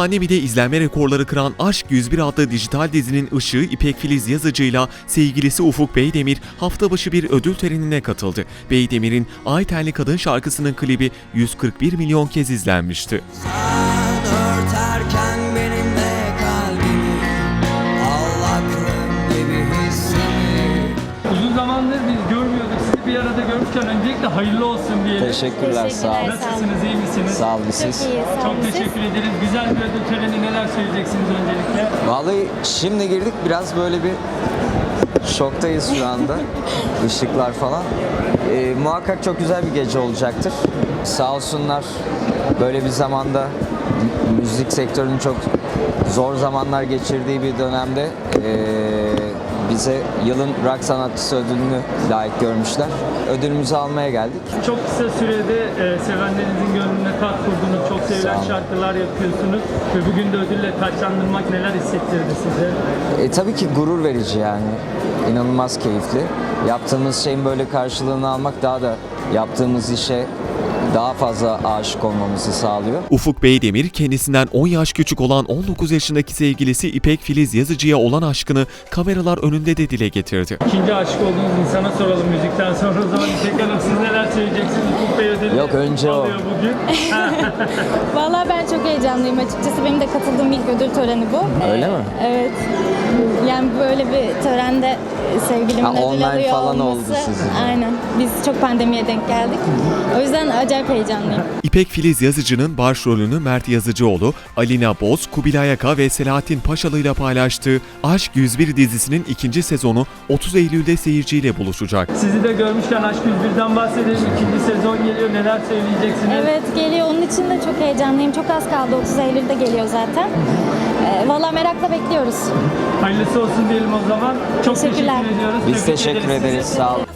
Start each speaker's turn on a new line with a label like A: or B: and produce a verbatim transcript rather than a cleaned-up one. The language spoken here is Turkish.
A: Pandemide izlenme rekorları kıran Aşk yüz bir adlı dijital dizinin ışığı İpek Filiz Yazıcı'yla sevgilisi Ufuk Beydemir hafta başı bir ödül törenine katıldı. Beydemir'in Ay Tenli Kadın şarkısının klibi yüz kırk bir milyon kez izlenmişti.
B: Sen örterken benimle kalbimi, Allah'ım gibi hissimi.
C: Uzun zamandır biz görmüyorduk. Sizi bir arada görmüşken öncelikle hayırlı olsun diyelim.
D: Teşekkürler, sağ olun.
C: Nasılsınız, iyi misiniz?
D: Sağ olun siz.
E: Çok iyi, sağ olun.
C: Çok
E: Siz?
C: teşekkür ederiz. Güzel bir ödül töreni, neler söyleyeceksiniz öncelikle?
D: Vallahi şimdi girdik, biraz böyle bir şoktayız şu anda. Işıklar falan. Ee, muhakkak çok güzel bir gece olacaktır. Sağ olsunlar böyle bir zamanda m- müzik sektörünün çok zor zamanlar geçirdiği bir dönemde ee, bize yılın rock sanatçısı ödülünü layık görmüşler. Ödülümüzü almaya geldik.
C: Çok kısa sürede e, sevenlerinizin gönlüne kat kurdunuz. Çok
D: Sağ
C: sevilen
D: olun.
C: şarkılar yapıyorsunuz. Ve bugün de ödülle taçlandırmak neler hissettirdi size?
D: E, tabii ki gurur verici yani. İnanılmaz keyifli. Yaptığımız şeyin böyle karşılığını almak daha da yaptığımız işe daha fazla aşık olmamızı sağlıyor.
A: Ufuk Beydemir kendisinden on yaş küçük olan on dokuz yaşındaki sevgilisi İpek Filiz Yazıcı'ya olan aşkını kameralar önünde de dile getirdi.
C: İkinci aşık olduğunuz insana soralım müzikten sonra. O zaman İpek Hanım siz neler söyleyeceksiniz? Ufuk Bey ödülü
D: Yok, önce o.
C: alıyor bugün.
E: Vallahi ben çok heyecanlıyım açıkçası. Benim de katıldığım ilk ödül töreni bu.
D: Öyle
E: Ee,
D: mi?
E: Evet. Yani böyle bir törende e, sevgilimin
D: Ha,
E: ödül
D: online
E: alıyor
D: falan
E: olması.
D: oldu sizin.
E: Aynen. Biz çok pandemiye denk geldik. O yüzden acayip heyecanlıyım.
A: İpek Filiz Yazıcı'nın başrolünü Mert Yazıcıoğlu, Alina Boz, Kubilay Aka ve Selahattin Paşalı ile paylaştığı Aşk yüz bir dizisinin ikinci sezonu otuz Eylül'de seyirciyle buluşacak.
C: Sizi de görmüşken Aşk yüz birden bahsedelim. İkinci sezon geliyor. Neler söyleyeceksiniz?
E: Evet geliyor. Onun için de çok heyecanlıyım. Çok az kaldı. otuz Eylül'de geliyor zaten. Ee, Vallahi merakla bekliyoruz.
C: Hayırlısı olsun diyelim o zaman. Çok
E: Teşekkürler.
C: teşekkür ediyoruz.
D: Biz
C: Tebrik
D: teşekkür ederiz.
C: sizi.
D: Sağ olun.